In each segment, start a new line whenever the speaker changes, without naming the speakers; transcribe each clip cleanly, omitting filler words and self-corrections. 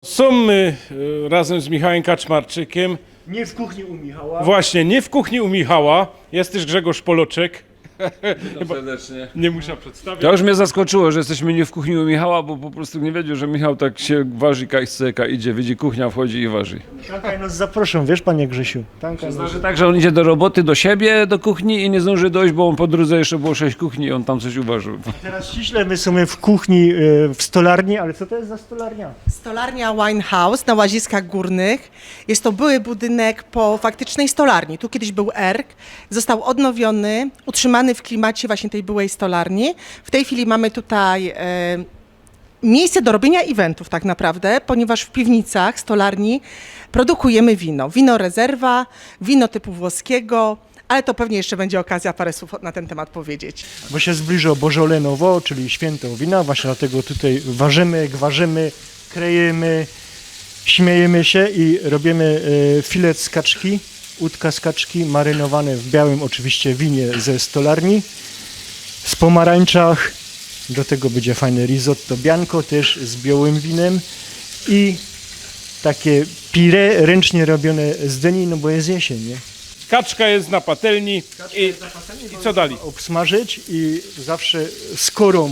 Są my razem z Michałem Kaczmarczykiem.
Nie w kuchni u Michała.
Właśnie, nie w kuchni u Michała. Jest też Grzegorz Poloczek.
Witam serdecznie.
Nie muszę przedstawić.
To już mnie zaskoczyło, że jesteśmy nie w kuchni u Michała, bo po prostu nie wiedział, że Michał tak się waży, kajseka idzie, widzi kuchnia, wchodzi i waży.
Tankaj nas zaproszą, wiesz panie Grzesiu? Tankaj nas.
Znaczy tak, że on idzie do roboty, do siebie, do kuchni i nie zdąży dojść, bo on po drodze jeszcze było 6 kuchni i on tam coś uważył.
Teraz ściśle my są w kuchni, w stolarni, ale co to jest za stolarnia?
Stolarnia Wine House na Łaziskach Górnych. Jest to były budynek po faktycznej stolarni. Tu kiedyś był ERK, został odnowiony, utrzymany w klimacie właśnie tej byłej stolarni. W tej chwili mamy tutaj miejsce do robienia eventów tak naprawdę, ponieważ w piwnicach stolarni produkujemy wino. Wino rezerwa, wino typu włoskiego, ale to pewnie jeszcze będzie okazja parę słów na ten temat powiedzieć.
Bo się zbliża Bożolenowo, czyli święto wina, właśnie dlatego tutaj ważymy, gwarzymy, krejemy, śmiejemy się i robimy filet z kaczki, udka z kaczki, marynowane w białym oczywiście winie ze stolarni, z pomarańczach, do tego będzie fajne risotto bianco też z białym winem i takie pire ręcznie robione z dyni, no bo jest jesień, nie?
Kaczka jest na patelni. I co dalej?
Obsmażyć i zawsze skorą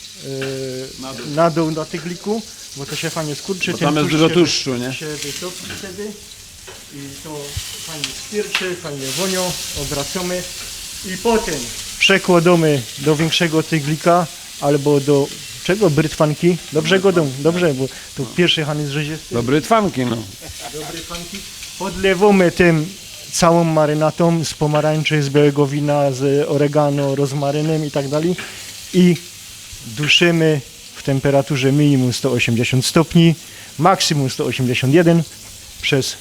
na dół na tygliku, bo to się fajnie skurczy.
Bo
ten
tam jest
tłuszcz
dużo
się
tłuszczu, nie?
się wytopi wtedy i to fajnie skwierczy, fajnie wonią, obracamy i potem przekładamy do większego tyglika albo do czego? Brytwanki? Dobrze godą, dobrze, bo to pierwszy han jest rzeźisty.
Dobry twanki, no.
Dobre fanki. Podlewamy tym całą marynatą z pomarańczy, z białego wina, z oregano, rozmarynem i tak dalej i duszymy w temperaturze minimum 180 stopni, maksimum 181 przez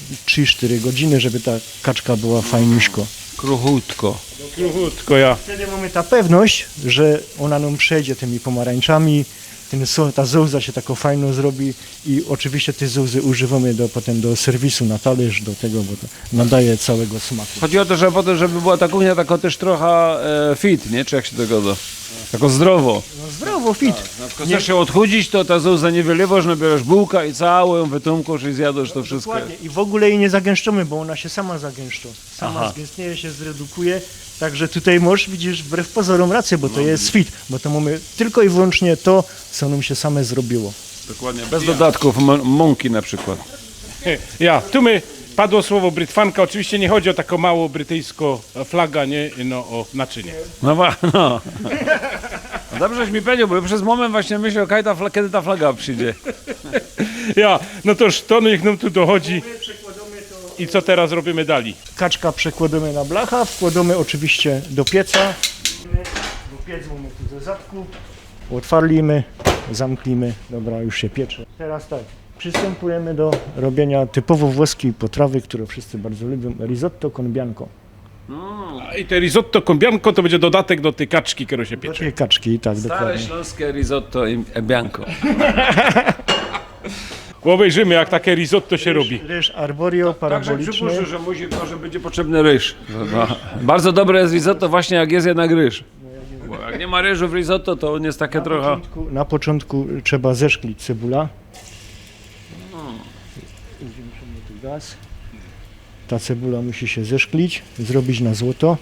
3-4 godziny, żeby ta kaczka była fajniuśko.
Kruchutko.
Krótko ja.
Wtedy mamy ta pewność, że ona nam przejdzie tymi pomarańczami, ta zołza się taką fajną zrobi i oczywiście te zołzy używamy potem do serwisu na talerz, do tego, bo to nadaje całego smaku.
Chodzi o to, że potem, żeby była ta kuchnia taka też trochę fit, nie? Czy jak się to goda? Tako zdrowo.
No zdrowo, fit.
Jak chcesz się odchudzić, to ta zołza nie wylewasz, no bierzesz bułkę i całą ją wytumkasz i zjadasz to wszystko.
Dokładnie. I w ogóle jej nie zagęszczamy, bo ona się sama zagęszcza. Sama zgęstnieje się, zredukuje. Także tutaj możesz, widzisz, wbrew pozorom rację, bo to jest fit, bo to mamy tylko i wyłącznie to, co nam się same zrobiło.
Dokładnie. Bez dodatków, mąki na przykład.
Ja, tu my padło słowo brytwanka. Oczywiście nie chodzi o taką małą brytyjską flaga, nie? No o naczynie.
No, no. No dobrześ mi powiedział, bo przez moment właśnie myślę, kiedy ta flaga przyjdzie.
Ja, no toż to niech nam tu dochodzi. I co teraz robimy dalej?
Kaczka przekładamy na blacha, wkładamy oczywiście do pieca. Bo piec mamy tu ze zadku. Otwarlimy, zamknijmy. Dobra, już się piecze. Teraz tak, przystępujemy do robienia typowo włoskiej potrawy, którą wszyscy bardzo lubią. Risotto con bianco.
I te risotto con bianco to będzie dodatek do tej kaczki, która się
Do
piecze.
tej kaczki, tak,
Stare
dokładnie.
śląskie risotto i bianco.
Obejrzymy, jak takie risotto się robi.
Ryż arborio
Także
paraboliczny.
przypuszczę, że może będzie potrzebny ryż. No. Bardzo dobre jest risotto właśnie jak jest jednak ryż. Bo jak nie ma ryżu w risotto, to on jest takie trochę...
Na początku trzeba zeszklić cebula. Zwiększymy tu gaz. Ta cebula musi się zeszklić, zrobić na złoto.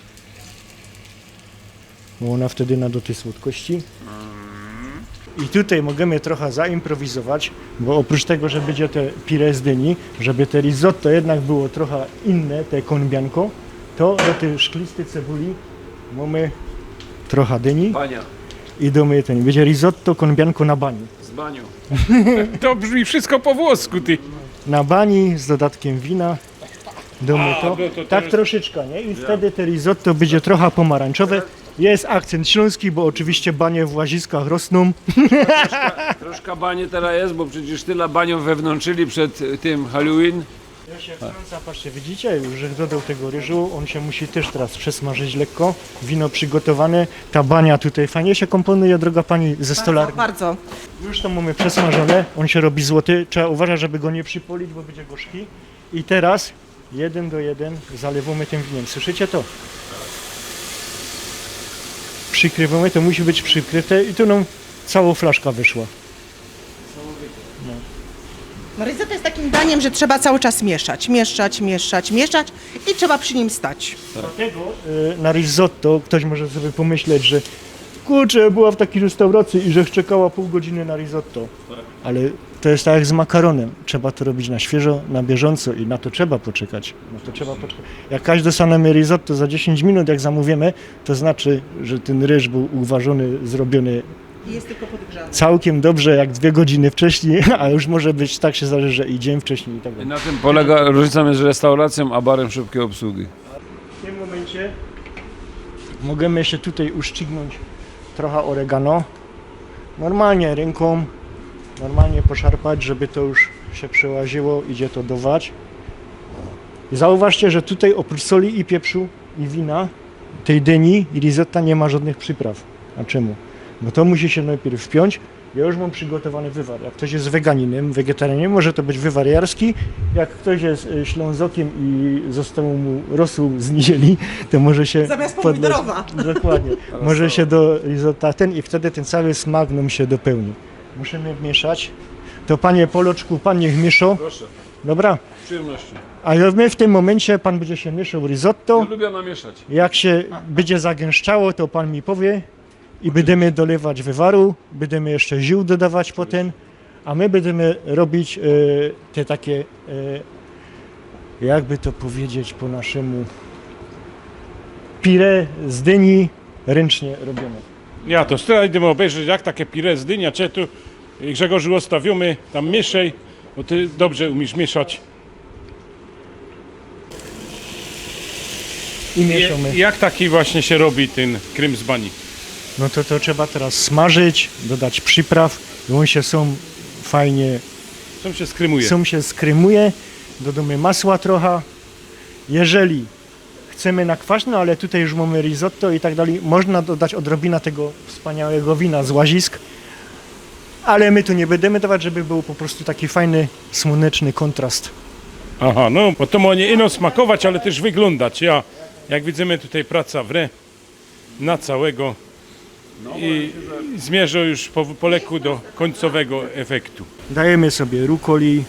Bo ona wtedy nada tej słodkości. I tutaj możemy trochę zaimprowizować, bo oprócz tego, że będzie te pire z dyni, żeby te risotto jednak było trochę inne, te con bianco, to do tej szklistej cebuli mamy trochę dyni
Bania
i domy ten. Będzie risotto con bianco na bani.
z banią.
To brzmi wszystko po włosku, ty.
Na bani z dodatkiem wina. Domy to.
no to
Tak
teraz-
troszeczkę, nie? I wtedy te risotto będzie trochę pomarańczowe. Jest akcent śląski, bo oczywiście banie w Łaziskach rosną.
Troszkę banie teraz jest, bo przecież tyle banią wewnątrzyli przed tym Halloween.
Ja się wtrąca, patrzcie, widzicie, już że dodał tego ryżu, on się musi też teraz przesmażyć lekko. Wino przygotowane, ta bania tutaj fajnie się komponuje, droga pani ze stolarni.
Bardzo.
Już to mamy przesmażone, on się robi złoty, trzeba uważać, żeby go nie przypolić, bo będzie gorzki. I teraz 1 do 1 zalewamy tym winem, słyszycie to? Przykrywamy, to musi być przykryte i tu nam cała flaszka wyszła.
No risotto jest takim daniem, że trzeba cały czas mieszać i trzeba przy nim stać.
Dlatego na risotto ktoś może sobie pomyśleć, że kurczę, była w takiej restauracji i że czekała pół godziny na risotto. Ale to jest tak jak z makaronem. Trzeba to robić na świeżo, na bieżąco i na to trzeba poczekać. Jak każdy dostanemy risotto za 10 minut, jak zamówimy, to znaczy, że ten ryż był uważony, zrobiony
I jest tylko podgrzany.
całkiem dobrze, jak 2 godziny wcześniej, a już może być tak się zależy, że i dzień wcześniej i tak
I
dalej.
na tym polega różnica między restauracją a barem szybkiej obsługi.
W tym momencie możemy jeszcze tutaj uszczygnąć trochę oregano. Normalnie ręką, normalnie poszarpać, żeby to już się przełaziło, idzie to dować. I zauważcie, że tutaj oprócz soli i pieprzu i wina, tej dyni i risotta nie ma żadnych przypraw. A czemu? Bo to musi się najpierw wpiąć. Ja już mam przygotowany wywar. Jak ktoś jest weganinem, wegetarianinem, może to być wywar jarski. Jak ktoś jest ślązokiem i został mu rosół z niedzieli, to może się
Zamiast
podlać-
pomidorowa.
Dokładnie. Może się do risotta ten i wtedy ten cały smak nam się dopełni. Musimy mieszać. To panie Poloczku, pan niech mieszał.
Proszę,
Dobra.
z przyjemnością.
A my w tym momencie pan będzie się mieszał risotto.
Lubię namieszać.
Jak się będzie zagęszczało, to pan mi powie i będziemy dolewać wywaru, będziemy jeszcze ziół dodawać potem, a my będziemy robić te takie, jakby to powiedzieć po naszemu, pire z dyni ręcznie robione.
Ja to teraz idziemy obejrzeć, jak takie pire z dynia, czy tu Grzegorzu ostawimy, tam mieszaj, bo ty dobrze umiesz mieszać.
I mieszamy.
Jak taki właśnie się robi ten krym z bani?
No to trzeba teraz smażyć, dodać przypraw i on się fajnie
Czym się skrymuje?
się skrymuje, dodamy masła trochę. Jeżeli chcemy na kwaśno, ale tutaj już mamy risotto i tak dalej, można dodać odrobinę tego wspaniałego wina z Łazisk, ale my tu nie będziemy dawać, żeby był po prostu taki fajny, słoneczny kontrast.
Aha, no bo to ma nie ino smakować, ale też wyglądać. Ja, jak widzimy tutaj praca wre na całego i zmierza już po leku do końcowego efektu.
Dajemy sobie rukoli.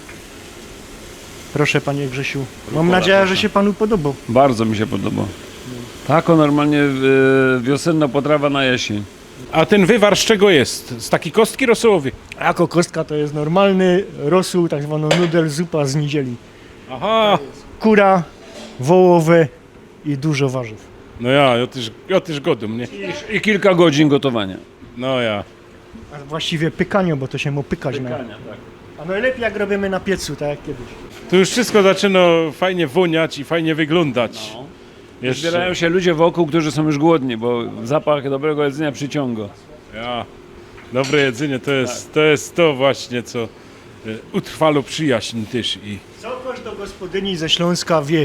Proszę panie Grzesiu. Mam nadzieję, że się panu podobał.
Bardzo mi się podoba. Tako normalnie wiosenna potrawa na jesień.
A ten wywar z czego jest? Z takiej kostki rosołowej?
Jako kostka to jest normalny rosół, tak zwaną nudel zupa z niedzieli.
Aha,
Kura, wołowe i dużo warzyw.
no ja też godum, nie?
I kilka godzin gotowania.
No ja.
A właściwie pykanie, bo to się mu pykać na.
tak.
A najlepiej jak robimy na piecu, tak jak kiedyś.
Tu już wszystko zaczyna fajnie woniać i fajnie wyglądać. Jeszcze,
Zbierają się ludzie wokół, którzy są już głodni, bo zapach dobrego jedzenia przyciąga.
ja. Dobre jedzenie to jest to właśnie, co utrwalo przyjaźń też i
Co każda gospodyni ze Śląska wie,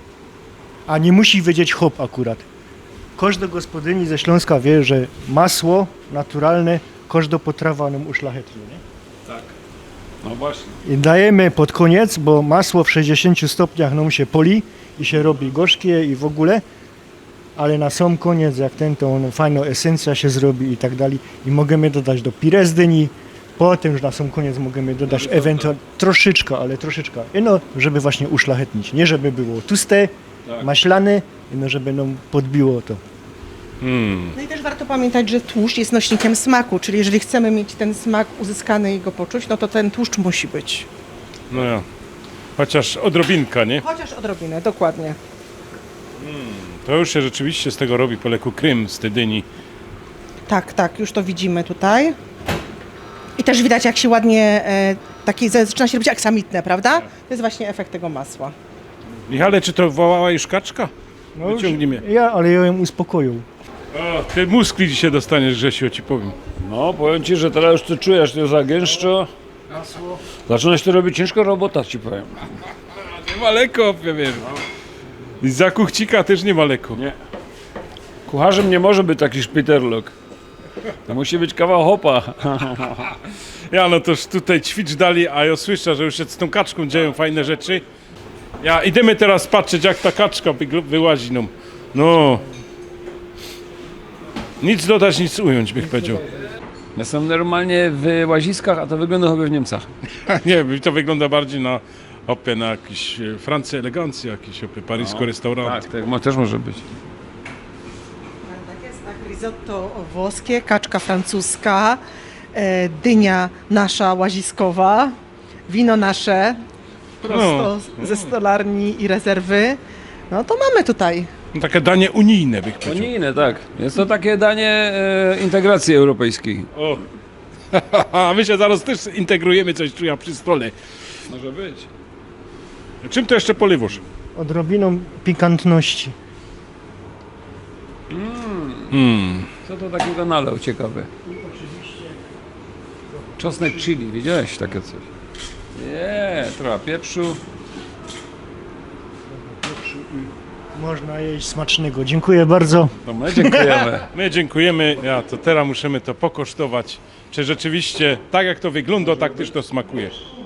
a nie musi wiedzieć hop akurat. Każda gospodyni ze Śląska wie, że masło naturalne każda potrawa nam uszlachetni. Nie?
No właśnie.
I dajemy pod koniec, bo masło w 60 stopniach nam się poli i się robi gorzkie i w ogóle, ale na sam koniec, jak to fajna esencja się zrobi i tak dalej, i możemy dodać do pire z dyni, potem już na sam koniec możemy dodać ewentualnie troszeczkę, ale troszeczkę, no, żeby właśnie uszlachetnić, nie żeby było tłuste, maślane, no, żeby nam podbiło to.
No i też warto pamiętać, że tłuszcz jest nośnikiem smaku, czyli jeżeli chcemy mieć ten smak uzyskany i go poczuć, no to ten tłuszcz musi być.
no ja. Chociaż odrobinka, nie?
Chociaż odrobinę, dokładnie.
To już się rzeczywiście z tego robi po leku krym z tej dyni.
Tak, już to widzimy tutaj. I też widać, jak się ładnie, zaczyna się robić aksamitne, prawda? To jest właśnie efekt tego masła.
Michale, czy to wołała już kaczka?
No już-
Wyciągnij mnie.
ale ja ją uspokoił.
O, ty muskli dzisiaj dostaniesz, Grzesiu, ci powiem.
No, powiem ci, że teraz już ty czujesz, to zagęszczo. Zaczyna się to robić ciężka robota, ci powiem.
Nie ma leko, wiesz. I za kuchcika też nie ma leko.
Nie. Kucharzem nie może być taki szpiterlok. To musi być kawał hopa.
Ja no toż tutaj ćwicz dali, a ja słyszę, że już się z tą kaczką dzieją fajne rzeczy. Ja idziemy teraz patrzeć, jak ta kaczka wyłazi nam. No. Nic dodać, nic ująć, bych powiedział.
Ja są normalnie w Łaziskach, a to wygląda chyba w Niemcach.
Nie, to wygląda bardziej na opie, na jakiś Francja elegancja, jakiś opie, parysko restaurant.
Tak, też może być.
Tak jest, tak, risotto włoskie, kaczka francuska, dynia nasza łaziskowa, wino nasze, prosto ze stolarni i rezerwy. No to mamy tutaj.
Takie danie unijne, bych powiedział.
Unijne, tak. Jest to takie danie integracji europejskiej.
O. A my się zaraz też integrujemy coś czuję przy stole.
Może być.
Czym to jeszcze poliwosz?
Odrobiną pikantności.
Co to takiego nalał ciekawe? Czosnek chili, widziałeś takie coś? Nie, trochę pieprzu.
Można jeść smacznego. Dziękuję bardzo.
No my dziękujemy.
My dziękujemy. Ja to teraz musimy to pokosztować. Czy rzeczywiście tak jak to wygląda, tak też to smakuje.